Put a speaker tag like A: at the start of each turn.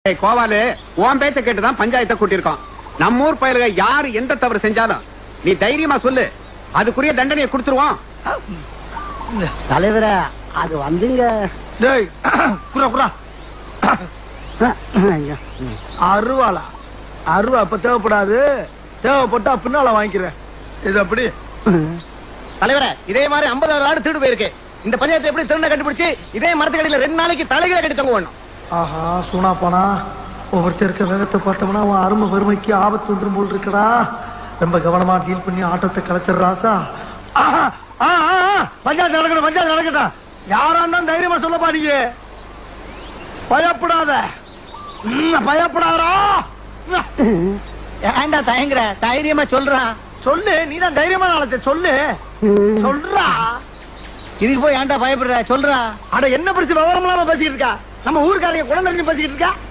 A: கோவாலு உன் பேச்ச கேட்டுதான் பஞ்சாயத்தை கூட்டியிருக்கோம். நம்ம ஊர் பயலுக யாரு எந்த தவறு செஞ்சாலும் நீ தைரியமா சொல்லு, அதுக்குரிய தண்டனையை கொடுத்துருவோம்.
B: தலைவர அது வந்துங்க
C: அருவாளா அருவா அப்ப தேவைப்படாது, தேவைப்பட்டா பின்னால வாங்கிக்கிறேன். இது அப்படி
B: தலைவர இதே மாதிரி 50,000 ஆடு திருடு போயிருக்கு. இந்த பஞ்சாயத்தை எப்படி திருண்ண கண்டுபிடிச்சு இதே மரத்துக்கடியில 2 நாளைக்கு தலைகளை கட்டி தங்க வேணும்.
C: ஆஹா சூனா போனா ஒவ்வொருத்தர் இருக்க வேகத்தை பார்த்தோம்னா அவன் அருமை வறுமைக்கு ஆபத்து வந்துடும் போல் இருக்கடா. ரொம்ப கவனமா டீல் பண்ணி ஆட்டத்தை கலைச்சிடுறாசா. பஞ்சாயத்து நடக்கணும், பஞ்சாயத்து நடக்கட்டும். யாரா இருந்தாலும் தைரியமா சொல்லப்பா, நீங்க பயப்படாத, பயப்படாதா.
B: ஏண்டா தயங்குற, தைரியமா சொல்றா.
C: சொல்லு, நீதான் தைரியமா நாளத்தை சொல்லு, சொல்றா.
B: இதுக்கு போய் ஏன்டா பயப்படுற, சொல்றா.
C: அட என்ன பிரச்சனை விவரம்லாம் பேசிக்கிட்டு இருக்கா? நம்ம ஊருக்காரங்க குழந்தை பேசிக்கிட்டு இருக்கா.